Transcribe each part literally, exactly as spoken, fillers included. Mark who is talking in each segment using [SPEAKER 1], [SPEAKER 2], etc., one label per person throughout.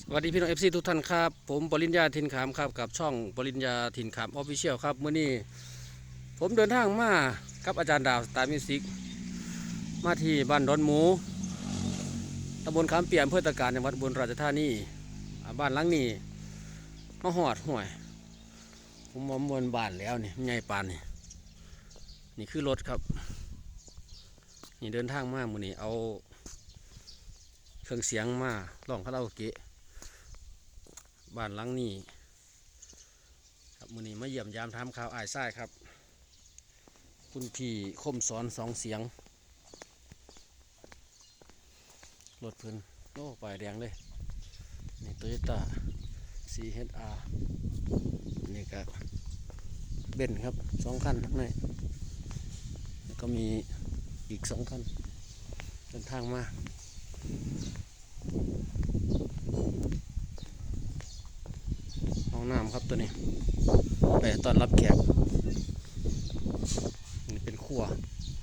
[SPEAKER 1] สวัสดีพี่น้องเอฟซีทุกท่านครับผมปริญญาทินขามครับกับช่องปริญญาทินขามออฟฟิเชียลครับเมื่อนี้ผมเดินทางมากับอาจารย์ดาวสตาร์มิวสิกมาที่บ้านดอนหมูตำบลขามเปียมอำเภอตะการจังหวัดอุบลราชธานีอ่าบ้านหลังนี้มาหอดห่วยผมมอมวนบ้านแล้วนี่ใหญ่ปานนี่นี่คือรถครับนี่เดินทางมามื่อนี้เอาเครื่องเสียงมาร้องคาราโอเกะบ้านหลังนี้ครับมื้อนี้มาเยี่ยมยามถามข่าวอ้ายซ้ายครับคุณพี่คมสอนสองเสียงรถเพิ่นโอ้ป้ายแดงเลยนี่ Toyota ซี เอช อาร์ นี่ก็เบนซ์ครับสองคันทั้งในแล้วก็มีอีกสองคันเดินทางมาห้องน้ำครับตัวนี้ไปต้อนรับแขกนี่เป็นครัว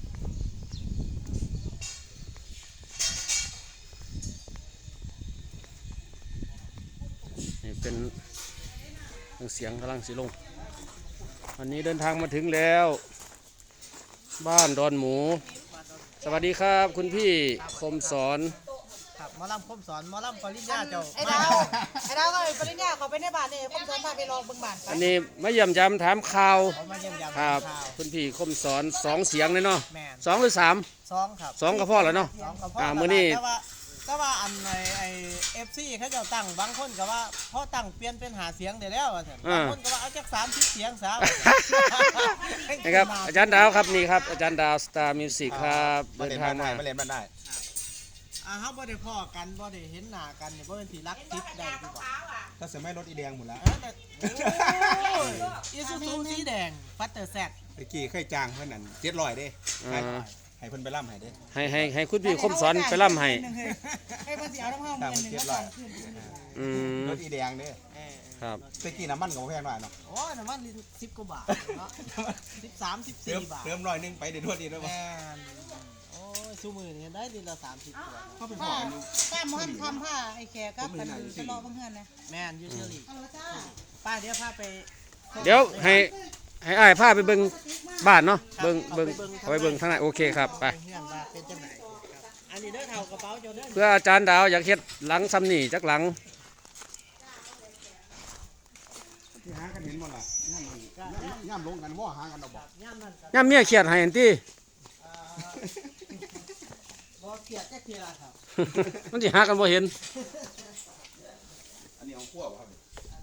[SPEAKER 1] นี่เป็นเสียงกำลังสิลงวันนี้เดินทางมาถึงแล้วบ้านดอนหมูสวัสดีครับคุณพี่คมสอน
[SPEAKER 2] ครับหมอลำคมสอนหมอลำปริญญาเจ้า
[SPEAKER 3] ไอ้ดาวไอ้ดาวก็ปริญญาเขาไปในบ้านนี่คมสอนพาไปลองเบิ่งบ้านไป
[SPEAKER 1] อันนี้มาเยี่ยมยามถามข่าว
[SPEAKER 2] เขามาเยี่ยมยาม
[SPEAKER 1] ครับ
[SPEAKER 2] ข่าว
[SPEAKER 1] คุณพี่คมสอนสองเสียงเลยเนาะ
[SPEAKER 2] แม่น
[SPEAKER 1] สองหรือสาม
[SPEAKER 2] สองครับ
[SPEAKER 1] สองก็พอแล้วเนาะ
[SPEAKER 2] สองกับพ่อ
[SPEAKER 1] อ่า
[SPEAKER 2] อ่า
[SPEAKER 1] มื้อนี้
[SPEAKER 2] แต่ว่าแต่ว่าอันไอไอเอฟซีเขาเจ้าตั้งบางคนก็ว่าพ่อตั้งเปลี่ยนเป็นหาเสียงได้แล้วว่าซั่นบางคนก็ว่าเอาจักสามสิบเสียงซะ
[SPEAKER 1] นะครับอาจารย์ดาวครับนี่ครับอาจารย์ดาวสตาร์มิวสิกครับ
[SPEAKER 4] มา
[SPEAKER 1] เดิ
[SPEAKER 4] เล่
[SPEAKER 1] น
[SPEAKER 4] น
[SPEAKER 1] ทา
[SPEAKER 4] บ้าง นได้
[SPEAKER 1] มา
[SPEAKER 4] มาเล่นบ้านได้
[SPEAKER 2] อ่าเฮาบ่ได้พ้อกันบ่ได้เห็นหน้ากันนี่บ่เป็นสิรักทิพย์ได้ดีกว่า
[SPEAKER 4] ถ้าเสือไม่รถอีแดงหมดแล้ว
[SPEAKER 2] เออแต่โอ้ยอีซูซูสีแดงฟัตเตอร์แซด
[SPEAKER 4] ตะกี้เคยจ้างเพื่อนนั่นเจ็ดร้อยเด้
[SPEAKER 1] อ่า
[SPEAKER 4] ให้เพิ่นไปล่ำให้เด้
[SPEAKER 1] ให้ให้ให้คุณพี่คมสอนไปล่ำให้
[SPEAKER 3] ให้เพิ่นสิเอาน้ำห้อง
[SPEAKER 4] ตาม
[SPEAKER 3] เงินหนึง
[SPEAKER 4] เจ็ด
[SPEAKER 3] มา
[SPEAKER 4] ร้อย
[SPEAKER 3] ขึ้น
[SPEAKER 1] อืม
[SPEAKER 4] รถอีแดงเด้
[SPEAKER 2] เออ
[SPEAKER 1] ครับ
[SPEAKER 4] ตะกี้น้ำมันก็บ่แพงหน่อยเนาะ
[SPEAKER 2] โอ้ยน้ำมันสิบกว่าบาทเนาะสิบสามสิบ
[SPEAKER 4] เติ
[SPEAKER 2] สี่
[SPEAKER 4] ม
[SPEAKER 2] บาท
[SPEAKER 4] เติมร้อยหนึงไปเดี๋ยวรถอีกแล้วบ่
[SPEAKER 2] แม่นโอ้ยซูมือนี่ได้ดีละสามสิบขวด
[SPEAKER 4] เขาเป็นพ่อ
[SPEAKER 3] ผ้า
[SPEAKER 4] กันอยู่
[SPEAKER 3] ผ้าหมอนทำผ้าไอ้แขกกับกันตลอดเพิ่นเฮือนนะ
[SPEAKER 2] แม่นอยูเชอรี่
[SPEAKER 3] เอาละจ้า
[SPEAKER 2] ป้าเดี๋ยวพาไป
[SPEAKER 1] เดี๋ยวให้ให้อ้ายพาไปเบิ่งบ้านเนาะเบิ่งเบิ่งเอาไปเบิ่งทางไหนโอเคครับไป
[SPEAKER 2] เฮือนว่าเป็นจังไหนครับอันนี้เด้อเท่ากระเป๋าเจ้าเด้อ
[SPEAKER 1] เพื่ออาจารย์ดาวอยากเฮ็ดหลังซ้ำนี่จักหลัง
[SPEAKER 4] ที่หากันเห็นบ่ล่ะย่ำมันย่ำลงกันว่าหากันเอาบ่
[SPEAKER 2] ย่ำนั่นกับ
[SPEAKER 1] ย่ามเมียเครียดให้อันติ
[SPEAKER 2] อ่าบ่เกลียดแค่เพียครับ
[SPEAKER 1] มันสิหากันบ่เห็น
[SPEAKER 4] อันนี้ของพวกบ่ครับ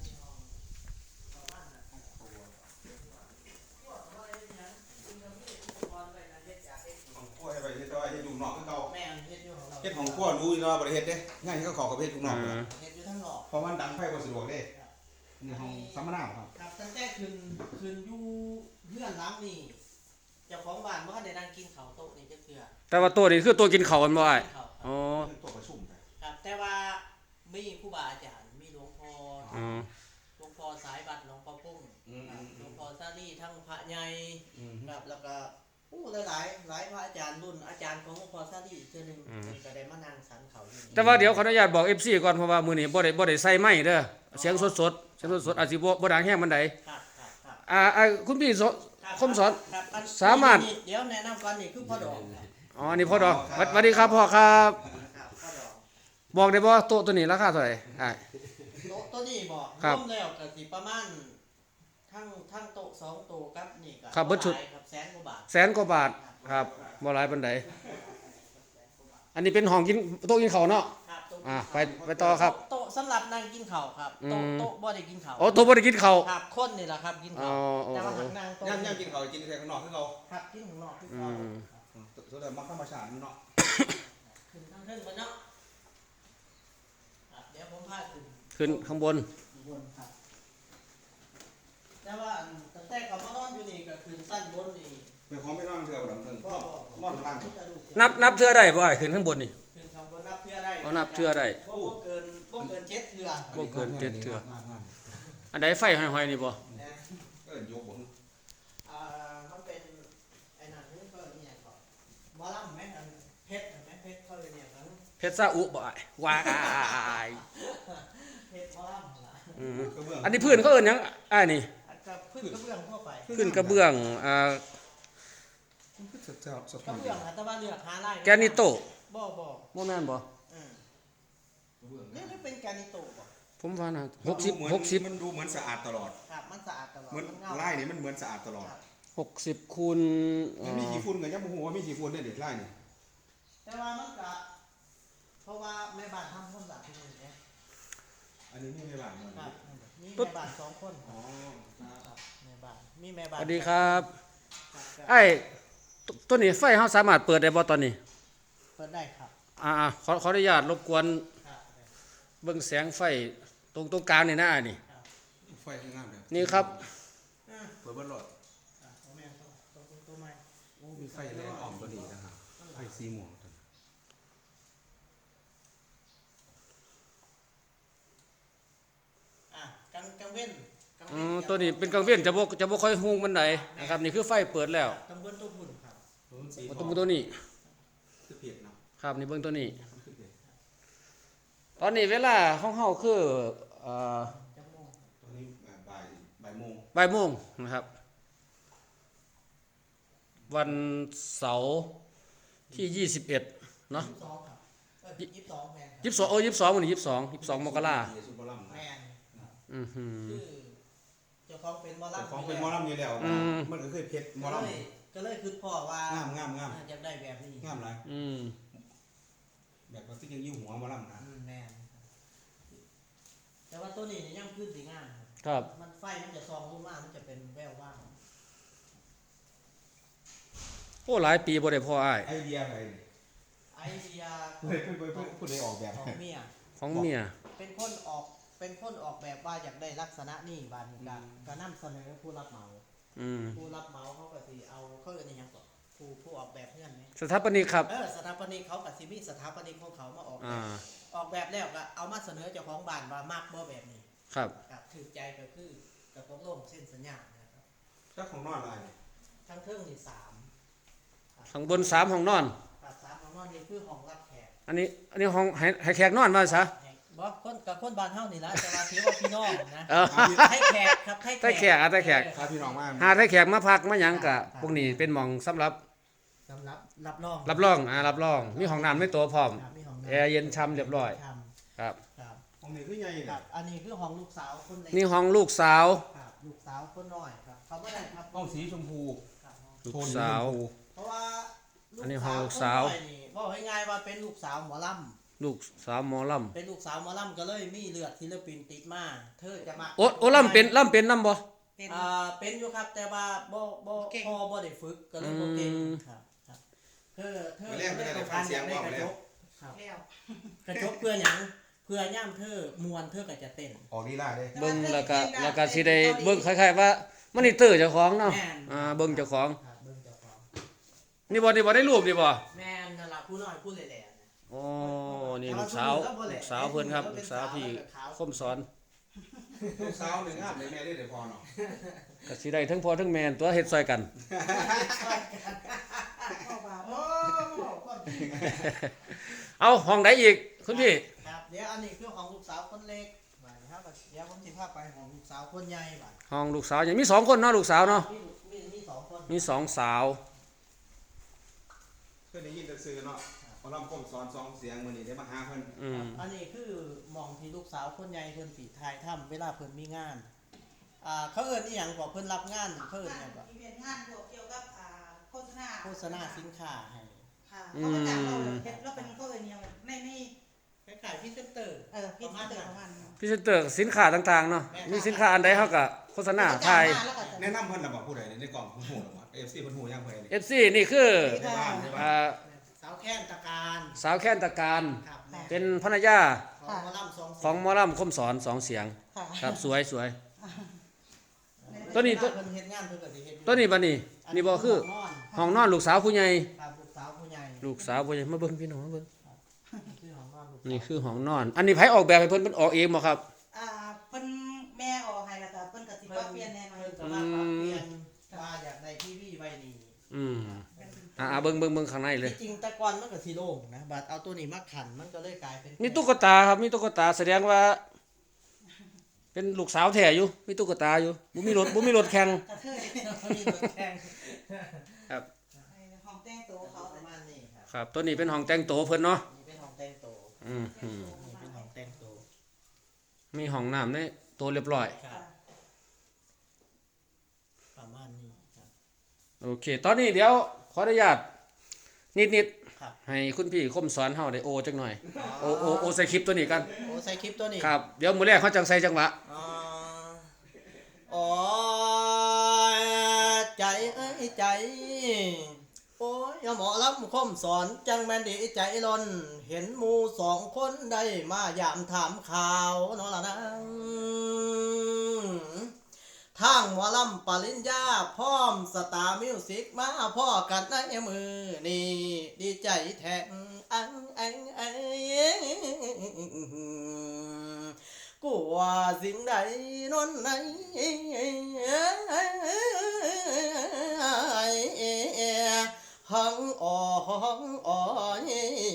[SPEAKER 4] ของพวกให้ไปเฮ็ดต่อให้อยู่นอกคือเก่า
[SPEAKER 2] แม่นเฮ็ดอยู่ของเรา
[SPEAKER 4] เฮ็ดของพวกรู้อยู่เนาะบ่ได้เฮ็ดเด้ง่ายที่เขาขอกับเฮ็ดอยู่นอก
[SPEAKER 1] อ่า
[SPEAKER 2] เฮ็ดอยู่ทั้งหลอก
[SPEAKER 4] เพราะมันดังไฟบ่สะดวกเด้นี่ห้องสัมมนาบ่ครับ
[SPEAKER 2] ครับตั้งแต่คืนคืนอยู่เฮือนหลังนี่เจ้าของบ้านบ่ทันได้นั่งกินข้าวโต๊ะนี่จักเทื่อ
[SPEAKER 1] แต่ว่าตัวนี้คือตัวกินข้าวกันบ่อ้าย
[SPEAKER 2] กินข้าวครับ
[SPEAKER 1] อ๋อ
[SPEAKER 4] เป็นตัวประชุมไป
[SPEAKER 2] ครับแต่ว่ามีครูบาอาจารย์มีหลวงพ่อ
[SPEAKER 1] อ๋อ
[SPEAKER 2] หลวงพ่อสายบัตรหลวงพ่อปุ้ง
[SPEAKER 4] อืม
[SPEAKER 2] ครับหลวงพ่อซาลี่ทั้งพระใหญ่
[SPEAKER 4] อืม
[SPEAKER 2] ครับแล้วก็อู้หลายๆหลายพระอาจารย์รุ่นอาจารย์ของหลวงพ่อซาลี่อีกเทื่อหนึงเพิ่นก็ได้มานั่งสันเขาอยู่นี่
[SPEAKER 1] แต่ว่าเดี๋ยวขออนุญาตบอก เอฟ ซี ก่อนเพราะว่ามื้อนี้บ่ได้บ่ได้ใส่ไม้เด้อเสียงสดๆเสียงสดๆอาจสิบ่บ่ดังแฮงปานใด
[SPEAKER 2] ครับครับครับ
[SPEAKER 1] อ่าอ่าคุณพี่ส
[SPEAKER 2] ครับ
[SPEAKER 1] คมสอน
[SPEAKER 2] ครับอัน
[SPEAKER 1] สามารถ
[SPEAKER 2] นี่เดี๋ยวแนะนำก่อนนี่คือพ่อดอกครับ
[SPEAKER 1] อ๋อนี่พ่อดอกสวัสดีครับพ่อครับ
[SPEAKER 2] ครับพ่อดอก
[SPEAKER 1] บอกได้บ่โต๊ะตัวนี้ราคาเท่าไหร่อ้าย
[SPEAKER 2] โต๊ะตัวนี้บอก
[SPEAKER 1] ครับ
[SPEAKER 2] รวมแล้วก็สิประมาณทั้งทั้งโต๊ะสองโต๊ะกับนี่ก็
[SPEAKER 1] ครับเบิดชุด
[SPEAKER 2] หลายครับแสนกว่าบาท
[SPEAKER 1] แสนกว่าบาทครับบ่หลายปานใดอันนี้เป็นห้องกินโต๊ะกินข้าวเนาะ
[SPEAKER 2] ครับโต๊ะ
[SPEAKER 1] อ่าไปไปต่อครับ
[SPEAKER 2] โต๊ะสำหรับนั่งกินข้าวครับโต๊ะ
[SPEAKER 1] อืม
[SPEAKER 2] โต๊ะบ่ได้กินข้าว
[SPEAKER 1] อ๋อโต๊ะบ่ได้กินข้าว
[SPEAKER 2] ครับคนนี่แหละครับกินข้าว
[SPEAKER 1] อ๋ออ๋อ
[SPEAKER 2] แต่ว่าทางนั่งโต๊ะ
[SPEAKER 4] ย่ำย่ำกินข้าวกินแต่ข้างนอกคือเรา
[SPEAKER 2] ครับกินข้างนอกคือ
[SPEAKER 1] อื
[SPEAKER 2] ข้าว
[SPEAKER 1] ม
[SPEAKER 4] สุดท้ายมักธรรมชาติเนาะ
[SPEAKER 2] ขึ้นทางเทิงบนเนาะครับเดี๋ยวผมพาขึ้น
[SPEAKER 1] ขึ้นข้างบน
[SPEAKER 2] บนครับแต่ว่าอันตั้งแต่กับมานอนอยู่นี่ก็ขึ้นสั้นบนนี่
[SPEAKER 4] เป็นของไม่นอนเถื่อนดังเถิง
[SPEAKER 2] ก็
[SPEAKER 4] นอนล่าง
[SPEAKER 1] นับนับเทื่อได้บ่อ้ายขึ้นข้างบนนี่
[SPEAKER 2] ขึ้นข้างบนนับเทื่อได้
[SPEAKER 1] เอานับเทื่อได้
[SPEAKER 2] บ่บ่เกินบ่เกินเจ็ดเทื่อ
[SPEAKER 1] บ่เกินเจ็ดเทื่ออันใดไฟห้อยๆนี่บ่
[SPEAKER 2] นะ
[SPEAKER 4] เอิ้นยกบ่
[SPEAKER 2] อ่ามันเป็นไอ้นั่นนี่ก็เนี่ยก็หมอลำแม่นอันเพชรอันแม่นเพชรเขาเลยเนี่ยครับ
[SPEAKER 1] เพชรซาอุบ่อ้ายว้าย
[SPEAKER 2] คเฮ็ดหมอลำล่ะ
[SPEAKER 1] อืม
[SPEAKER 4] กระเบื้อง
[SPEAKER 1] อันนี้พื้นเขาเอิ้นหยังอ้ายนี่
[SPEAKER 2] กับพื้นกระเบื้องทั่วไป
[SPEAKER 1] พื้นกระเบื้องอ่า
[SPEAKER 4] มันคือสะท้อนสะ
[SPEAKER 2] ก
[SPEAKER 4] ท้อ
[SPEAKER 2] ระ
[SPEAKER 4] น
[SPEAKER 2] เบื้องอะแต่ว่าเลือกหาลาย
[SPEAKER 1] แกนิโต
[SPEAKER 2] บ่บ่
[SPEAKER 1] บ่แม่นบ่
[SPEAKER 2] อืมนี่นี่เป็นแกนิโตบ่
[SPEAKER 1] ผมว่านะ
[SPEAKER 4] เหมือน
[SPEAKER 1] หกสิบ
[SPEAKER 4] มันดูเหมือนสะอาดตลอด
[SPEAKER 2] ครับมันสะอาดตลอด
[SPEAKER 4] เหมือน
[SPEAKER 2] มันเงา
[SPEAKER 4] ไล่นี่มันเหมือนสะอาดตลอด
[SPEAKER 2] ครับ
[SPEAKER 1] หกสิบคูณเอ่
[SPEAKER 4] มันมี
[SPEAKER 1] อ
[SPEAKER 4] กี่ฝุ่นกันยังบ่ฮู้ว่ามีกี่ฝุ่นได้เด็ดไล่นี่
[SPEAKER 2] แต่ว่ามันก็เพราะว่าแม่บ้านทำความสะอาดที่นี่เนี่ย
[SPEAKER 4] อันนี้มีในบ้านมัน
[SPEAKER 2] ครับมีแม่บ้านสองคนค
[SPEAKER 4] อ๋อ
[SPEAKER 2] รับแม่บ้านมีแม่บ้า
[SPEAKER 1] ส
[SPEAKER 2] น
[SPEAKER 1] วัสดีครับ
[SPEAKER 2] ครับครับ
[SPEAKER 1] ไอ้ตตัวนี้ไฟเฮาสามารถเปิดได้บ่ตอนนี้
[SPEAKER 2] เปิดได้ครับ
[SPEAKER 1] อ่าๆขอขออนุญาตรบกวน
[SPEAKER 2] ครับ
[SPEAKER 1] เบิ่งแสงไฟตรงตรงกลางนี่นะอันนี่
[SPEAKER 4] ไฟคืองามเลย
[SPEAKER 1] นี่ครับ
[SPEAKER 2] อ่า
[SPEAKER 4] เปิดเบิดรถ
[SPEAKER 2] อ่าเอาแม่เข้าตัวตัวตัวใหม่
[SPEAKER 4] โอ้มีไฟแรงอ่อมก็ดีนะครับไฟสีม่วงตัวนี้
[SPEAKER 2] อ่ะกังกังเว้นกัง
[SPEAKER 1] อื
[SPEAKER 2] เว้น
[SPEAKER 1] มตัวนี้เป็นกลางเว้นจะบ่จะบ่ค่อยฮู้มันไดนะครับนี่คือไฟเปิดแล้ว
[SPEAKER 2] กังเว้นตัวหุ่นครับ
[SPEAKER 4] ตัวมันสี
[SPEAKER 1] เอาตัวตัวนี้
[SPEAKER 4] คือเผ็ดเนาะ
[SPEAKER 1] ครับนี่เบิ่งตัวนี้
[SPEAKER 4] มันคือเผ็ด
[SPEAKER 1] ตอนนี้เวลาของเฮาคือเอ่อ
[SPEAKER 2] จมูก
[SPEAKER 4] ตัวนี้บ่ายบ่ายโมง
[SPEAKER 1] บ่ายโมงนะครับ วันเสาร์ที่ยี่สิบเอ็ดเนาะ
[SPEAKER 2] ยี่สิบสองครับเออยี่สิบสองแมนครับ
[SPEAKER 1] ยี่สิบสองเออยี่สิบสองวันนี้ยี่สิบสองยี่สิบสองมกรา
[SPEAKER 4] ซุปเปอร์ลัม
[SPEAKER 2] แมนครับ
[SPEAKER 1] อือหือ
[SPEAKER 2] คือเจ้าของเป็นหมอ
[SPEAKER 4] แต่
[SPEAKER 2] ลำ
[SPEAKER 4] ของเป็นหมอลำอยู่แล้ว
[SPEAKER 1] อืม
[SPEAKER 4] มันก็เคยเผ็ดหมอ
[SPEAKER 2] ก็
[SPEAKER 4] ล
[SPEAKER 2] เลยก็เลยคือพ่อว่าง
[SPEAKER 4] ามงามงาม
[SPEAKER 2] อยากได้แบบนี้
[SPEAKER 4] งามหลาย
[SPEAKER 1] อืม
[SPEAKER 4] แบบว่าที่ยังยิ้วหัวหมอลำนะ
[SPEAKER 2] อืมแมนแต่ว่าตัวนี้เนี่ยยังพื้นสีงามครับ
[SPEAKER 1] ครับ
[SPEAKER 2] มันไฟมันจะซองลงมามันจะเป็นแววว่าง
[SPEAKER 1] โอ้หลายปีบ่ได้พ่ออ้าย
[SPEAKER 4] ไอเดียอะไรนี่
[SPEAKER 2] ไอเดีย
[SPEAKER 4] เพื่อนเพื่อนเพื่อนผู้ใดออกแบบ
[SPEAKER 2] ของ
[SPEAKER 4] ให้
[SPEAKER 2] เมีย
[SPEAKER 1] ของเมีย
[SPEAKER 2] เป็นคนออกเป็นคนออกแบบว่าอยากได้ลักษณะนี่บานนี้ก็ก็นำเสนอผู้รับเหมา
[SPEAKER 1] อืม
[SPEAKER 2] ผู้รับเหมาเขาก็สิเอาเขาเอิ้นอิหยังก่อนผู้ผู้ออกแบบเงื่อนไหม
[SPEAKER 1] สถาปนิกครับ
[SPEAKER 2] เออสถาปนิกเขาก็สิมีสถาปนิกของเขามาออกแบ
[SPEAKER 1] อ่า
[SPEAKER 2] บออกแบบแล้วก็เอามาเสนอเจ้าของบ้านว่ามักบ่แบบนี้
[SPEAKER 1] ครับ
[SPEAKER 2] กับถือใจก็คือก็ตกลงเส้นสัญญานะครับ
[SPEAKER 4] เจ้าของนอนอะไร
[SPEAKER 2] ทั้งเทิงนี่สาม
[SPEAKER 1] ข้างบนสามห้องนอน
[SPEAKER 2] กับสามของนอนนี่คือห้องรับแขก
[SPEAKER 1] อันนี้อันนี้ห้องให้ให้แขกนอนมาซะ
[SPEAKER 2] แขกบ่คนกับคนบ้านเฮานี่ล่ะแต่ว่าถือว่าพี่น้องนะ
[SPEAKER 1] เออ
[SPEAKER 2] ให้แขกครับให้
[SPEAKER 1] ให้แขกอ่ะให้แขก
[SPEAKER 4] พาพี่น้องมา
[SPEAKER 1] หาให้แขกมาพักมาหยังกะพวกนี้เป็นหม่องสำหรับ
[SPEAKER 2] สำหรับรับรอง
[SPEAKER 1] รับรองอ่ารับรอง มีห้องน้ำในตัวพร้อม
[SPEAKER 2] ครับมีห้องน้ำ
[SPEAKER 1] แอร์เย็นช่ำเรียบร้อย
[SPEAKER 2] ช่
[SPEAKER 1] ครับ
[SPEAKER 2] ำครับ
[SPEAKER 4] ของนี้คือใหญ่
[SPEAKER 2] ค
[SPEAKER 4] เนี่
[SPEAKER 2] รั
[SPEAKER 4] ย
[SPEAKER 2] บอันนี้คือห้องลูกสาวคนเล็ก
[SPEAKER 1] นี่ห้องลูกสาว
[SPEAKER 2] ครับลูกสาวคนน้อยครับเขาไม่ได้ครับ
[SPEAKER 4] ห้องสีชมพู
[SPEAKER 2] ครับห้อง
[SPEAKER 1] ลูก
[SPEAKER 4] โทน
[SPEAKER 1] สาว
[SPEAKER 4] ชมพู
[SPEAKER 2] เพราะว่า
[SPEAKER 1] อันนี้ห้องลูกสาว
[SPEAKER 2] คนน้อยนี่บอกง่ายๆว่าเป็นลูกสาวหมอล
[SPEAKER 1] ลูกสาวหมอล
[SPEAKER 2] ำเป็นลูกสาวหมอลำก็เลยมีเลือดศิลปินติดมาเธอจะมา
[SPEAKER 1] ำโอ้โอ้ลำเป็นลำเป็นน้ำบ่
[SPEAKER 3] เป็น
[SPEAKER 2] อ่าเป็นอยู่ครับแต่ว่าบ่บ่
[SPEAKER 3] เก่ง
[SPEAKER 2] พอบ่ได้ฝึกก็เลยบ่เก่ง
[SPEAKER 1] อืม
[SPEAKER 2] ครับครับเธอเธอ
[SPEAKER 4] ไปแรกไม่ได้ฟังเสียง
[SPEAKER 2] ได้
[SPEAKER 4] บอก
[SPEAKER 2] กระ
[SPEAKER 4] แล้
[SPEAKER 2] จ
[SPEAKER 4] ว
[SPEAKER 2] กครับ
[SPEAKER 3] แล้ว
[SPEAKER 2] กระจกเพื่อหยังเพื่อย่ำเธอมวนเธอก็จะเต้น
[SPEAKER 4] ออกลีลาเด้
[SPEAKER 1] เบิ่งแล้วก็แล้วก็สิได้เบิ่งคล้ายๆว่ามันนี่เตอร์เจ้าของเนาะ
[SPEAKER 2] แม่น
[SPEAKER 1] อ่าเบิ่งเจ้าของ
[SPEAKER 2] ครับเบิ่งเจ้าของ
[SPEAKER 1] นี่บ่นี่บ่ได้รูปนี่บ่
[SPEAKER 2] แม่นนั่นล่ะผู้น้อยผู้แหล่ๆนะ
[SPEAKER 1] โอ้นี่ลูกสาว ลูกสาวเพิ่นครับลูกสาวพี่คมสอน
[SPEAKER 4] ลูกสาวหนึ่งงามเลยแม่ได้เดี๋ยวพอเนาะ
[SPEAKER 1] ก็สิได้ทั้งพ่อทั้งแม่ตัวเฮ็ดซอยกัน
[SPEAKER 3] เข้าบา
[SPEAKER 2] โอ้คนดี
[SPEAKER 1] เอาห้องใดอีกคุณพี่
[SPEAKER 2] ครับเดี๋ยวอันนี้คือของลูกสาวคนเล็กบัดนี้ครับเดี๋ยวผมสิพาไปของลูกสาวคนใหญ่บัด
[SPEAKER 1] ห้องลูกสาวยังมีสองคนเนาะลูกสาวเนาะ
[SPEAKER 2] มีมีมีสองคน
[SPEAKER 1] มีสองสาว
[SPEAKER 4] เคยได้ยินแต่ซื้อเนาะพอลำก้มสอนสองเสียงมื้อนี้ได้มาหาเพิ่น
[SPEAKER 1] อืม
[SPEAKER 2] อันนี้คือหมองที่ลูกสาวคนใหญ่เพิ่นสิถ่ายทำเวลาเพิ่นมีงานอ่าเขาเอิ้นอีหยังก็เพิ่นรับงานเขาเอิ้นหยังก็
[SPEAKER 3] อีเวนต์งานเกี่ยวกับอ่าโฆษณา
[SPEAKER 2] โฆษณาสินค้าให้
[SPEAKER 3] ค่ะเขาก็จ้างเราเฮ็ดเราเป็นเขาเอิ้นอิหยังในใน
[SPEAKER 2] คล้ายๆพรีเซนเตอร์
[SPEAKER 3] เออพิธีเตอร์ประมาณนั้น
[SPEAKER 1] พรีเซนเตอร์สินค้าต่างๆเนาะมีสินค้าอันใดเฮาก็โฆษณาถ่าย
[SPEAKER 3] แล้วก็จะ
[SPEAKER 4] แนะนำเพิ่นล่ะบ่ผู้ใดในกล่องเพิ่นฮู้ล่ะบ่ เอ เอฟ ซี เพิ่นฮู้ยังเพิ่นนี่
[SPEAKER 1] เอฟ ซี นี่คือ
[SPEAKER 4] ในบ้านในบ้า
[SPEAKER 1] อ่าน
[SPEAKER 2] สาวแค้นตะการ
[SPEAKER 1] สาวแค้นตะการ
[SPEAKER 2] ครับแม่
[SPEAKER 1] เป็นภรรยา
[SPEAKER 2] ของหมอลำสอง
[SPEAKER 1] ของหมอลำคมสอนสองเสียง
[SPEAKER 3] ค่ะ
[SPEAKER 1] ครับสวยสวย ตั
[SPEAKER 2] ตัว
[SPEAKER 1] นี้
[SPEAKER 2] นี้
[SPEAKER 1] ตัว
[SPEAKER 2] เพิ่นเฮ็ดงานเพิ่นก็สิเฮ็ดอยู่
[SPEAKER 1] ตัวนี้บัดนี้นี่บ่คือ
[SPEAKER 2] ห้งนอน
[SPEAKER 1] ห้องนอนลูกสาวผู้ใหญ่
[SPEAKER 2] ครับลูกสาวผู้ใหญ่
[SPEAKER 1] ลูกสาวผู้ใหญ่มาเบิ่งพี่น้องมาเบิ่ง
[SPEAKER 2] คือห้องนอนลูกสาว
[SPEAKER 1] นี่คือห้องนอน อันนี้ไผออกแบบให้เพิ่นเพิ่นออกเองบ่ครับ
[SPEAKER 3] อ่าเพิ่นแม่ออกให้แล้วก็เพิ่นก็สิปรับเปลี่ยนแน่นอน
[SPEAKER 2] เพิ่นก็มาปรับเปลี่ยนว่าอยากได้ทีวีไว้นี่
[SPEAKER 1] อืมอ่าๆเบิ่งเบิ่งเบิ่งข้างในเลย
[SPEAKER 2] ที่จริงแต่ก่อนมันก็สิโล่งนะบัดเอาตัวนี้มาขันมันก็เลยกลายเป็น
[SPEAKER 1] มีตุ๊กตาครับมีตุ๊กตาแสดงว่าเป็นลูกสาวแท้อยู่มีตุ๊กตาอยู่บ่มีรถบ่มีรถแข่ง
[SPEAKER 3] กระเทย
[SPEAKER 2] มีรถแข่ง
[SPEAKER 1] ครับ
[SPEAKER 3] ห้องแต่งตัวเขา
[SPEAKER 2] ประมาณนี้ครับ
[SPEAKER 1] ครับตัวนี้เป็นห้องแต่งตัวเพิ่นเนาะ
[SPEAKER 2] นี่เป็นห้องแต่งตัว
[SPEAKER 1] อืมอืม
[SPEAKER 2] นี่เป็นห้องแต่งตัว
[SPEAKER 1] มีห้องน้ำในตัวเรียบร้อย
[SPEAKER 2] ครับประมาณนี้ครับ
[SPEAKER 1] โอเค ตอนนี้เดี๋ยวขออนุญาตนิด
[SPEAKER 2] ครับ
[SPEAKER 1] ๆให้คุณพี่คมสอนเฮาได้โอจักหน่อย โอโอโอใส่คลิปตัวนี้กัน
[SPEAKER 2] โอ้ใส่คลิปตัวนี้
[SPEAKER 1] ครับเดี๋ยวมื้อแรกเขาจังใส่จังหวะ
[SPEAKER 2] อ่าโอ้ยใจเอ้ยใจ โอ้ยหมอลำคมสอนจังแม่นดีใจล้น เห็นหมูสองคนได้มายามถามข่าวเนาะล่ะนะทางหมอลำปริญญาพร้อมสตาร์มิวสิกมาพ่อกันในมือนี่ดีใจแทงอังอังอังกลัวสิ่งใดนนไหนหังอ่อหังอ่อย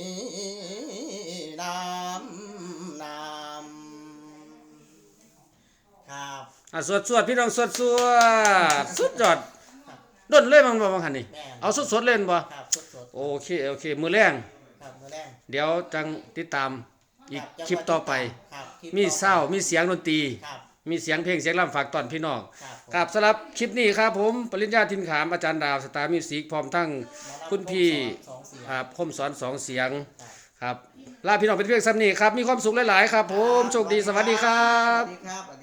[SPEAKER 2] น้ำน้ำครับ
[SPEAKER 1] อ่ะสวดสวดพี่น้องสวดสวดสุดยอดด้นเลยมันบ่บางคันนี่
[SPEAKER 2] แม่น
[SPEAKER 1] เอาสดๆเล่นบ่
[SPEAKER 2] ครับสด
[SPEAKER 1] โอเคโอเคมื้อแรง
[SPEAKER 2] ๆครับมื้อแรก
[SPEAKER 1] เดี๋ยวจังติดตามอีก
[SPEAKER 2] รับ
[SPEAKER 1] คลิปต่อไป
[SPEAKER 2] ครับคลิป
[SPEAKER 1] มี
[SPEAKER 2] ต่อไป
[SPEAKER 1] เศร้ามีเสียงดนตรี
[SPEAKER 2] ครับ
[SPEAKER 1] มีเสียงเพลงเสียงรำฝากตอนพี่น้อง
[SPEAKER 2] ครับผม
[SPEAKER 1] ครับสำหรับคลิปนี้ครับผมปริญญาทินขามอาจารย์ดาวสตาร์มิวสิกพร้อมทั้งคุณพี่
[SPEAKER 2] สองเสียง
[SPEAKER 1] ครับคมสอนสองเสียง
[SPEAKER 2] ครับ
[SPEAKER 1] ครับลาพี่น้องเป็นเพียงซ้ำนี้ครับมีความสุขหลายๆครับผมโชคดีสวัสดีครั
[SPEAKER 2] ส
[SPEAKER 1] บ
[SPEAKER 2] วัสดีครับ